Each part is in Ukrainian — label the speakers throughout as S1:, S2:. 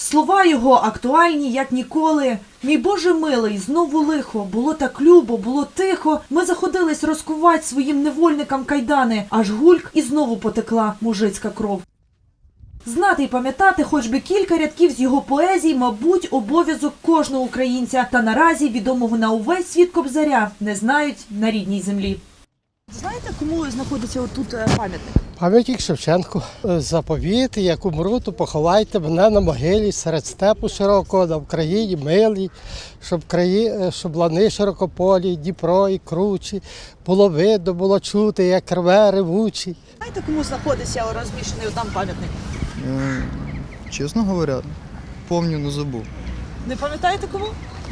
S1: Слова його актуальні, як ніколи. «Мій Боже милий, знову лихо, було так любо, було тихо. Ми заходились розкувати своїм невольникам кайдани, аж гульк і знову потекла мужицька кров». Знати й пам'ятати хоч би кілька рядків з його поезій, мабуть, обов'язок кожного українця. Та наразі відомого на увесь світ Кобзаря не знають на рідній землі. Знаєте, кому знаходиться отут пам'ятник?
S2: Пам'ятник Шевченку. Заповіт, як умру, то поховайте мене на могилі серед степу широкого, на Україні милій, щоб лани широкополі, Дніпро і кручі, було видно, було чути, як рве ревучі.
S1: Знаєте, кому знаходиться розміщений там пам'ятник?
S3: Чесно говоря, помню, но забув.
S1: Не пам'ятаєте кому?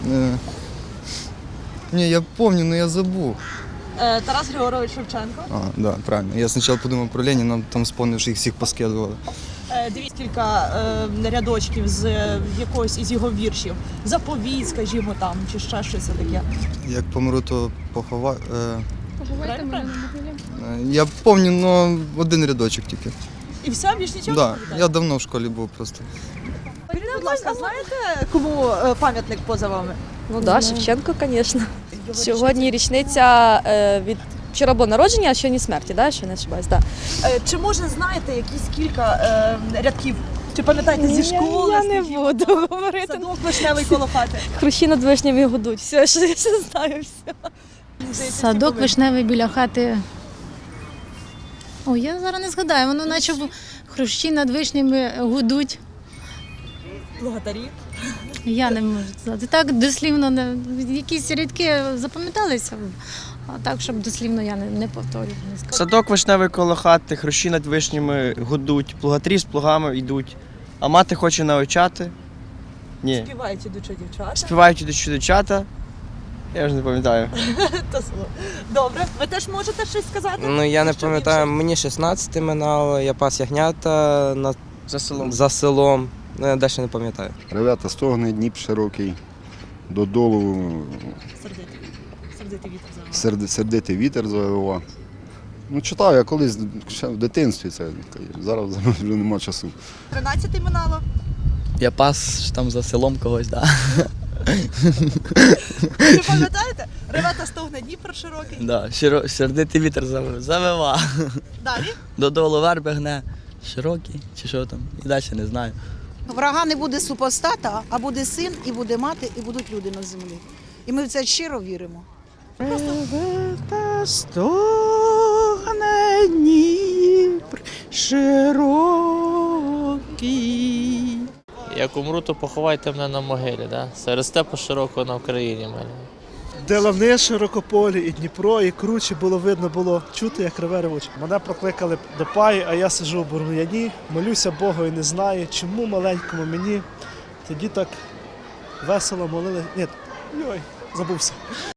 S3: Ні, я помню, но я забув.
S1: Тарас Григорович Шевченко.
S3: Да, правильно. Я спочатку подумав про Леніна, там вспомнив, що їх всіх поскидували.
S1: Дивіться кілька рядочків з якогось із його віршів. Заповіт, скажімо, там, чи ще щось таке.
S3: Як помру, то поховаю.
S4: Поховайте мене на могилі.
S3: Я помню, но один рядочок тільки.
S1: І все, більш нічого
S3: Да,
S1: не пам'ятаєте?
S3: я давно в школі був просто.
S1: Будь ласка, знаєте, кому пам'ятник поза вами?
S5: Ну так, Шевченко, звісно. Сьогодні річниця від вчора було народження, а сьогодні смерті, да? Що не ошибаюсь, да.
S1: Чи може знаєте якісь кілька рядків? Чи пам'ятаєте зі школи?
S5: Я не
S1: скажімо,
S5: буду
S1: там,
S5: говорити.
S1: Садок вишневий коло хати.
S5: Хрущі над вишнями гудуть. Все, що я ще знаю, все.
S4: Садок вишневий біля хати. Ой, я зараз не згадаю, воно наче хрущі над вишнями гудуть.
S1: Благодарі.
S4: Я не можу сказати. Так дослівно, якісь рядки запам'яталися, а так, щоб дослівно я не повторюю. Не скажу.
S6: Садок вишневий коло хати, хрущі над вишнями гудуть, плугатрі з плугами йдуть, а мати хоче навчати. Ні.
S1: Співають ідучі дівчата.
S6: Співають ідучі дівчата. Я вже не пам'ятаю.
S1: Добре. Ви теж можете щось сказати?
S7: Ну я не
S1: Що
S7: пам'ятаю,
S1: більше?
S7: мені 16 минало, я пас ягнята
S6: За селом.
S7: за селом. Ну, я далі не пам'ятаю.
S8: Ревета стогне, Дніп широкий, додолу
S1: Сердитий вітер завивав.
S8: сердитий вітер завивав. Ну, читав я колись ще в дитинстві це, зараз вже нема часу.
S1: 13 минало.
S9: Я пас там за селом когось, так.
S1: Ви пам'ятаєте? Ревета стогне, Дніпро широкий.
S9: Да. Сердитий вітер завива.
S1: Далі?
S9: Додолу верби гне. Широкий чи що там. І далі не знаю.
S10: Врага не буде супостата, а буде син, і буде мати, і будуть люди на землі. І ми в це щиро віримо.
S11: Ревета стогне Дніпр широкий.
S12: Як умру, то поховайте мене на могилі, да? Серед степу широкого на Україні мене.
S13: Де лани широкополі, і Дніпро, і кручі було видно, було чути, як реве ревуче. Мене прокликали до паї, а я сиджу в бур'яні, молюся Богу і не знаю, чому маленькому мені. Тоді так весело молили. Ні, забувся.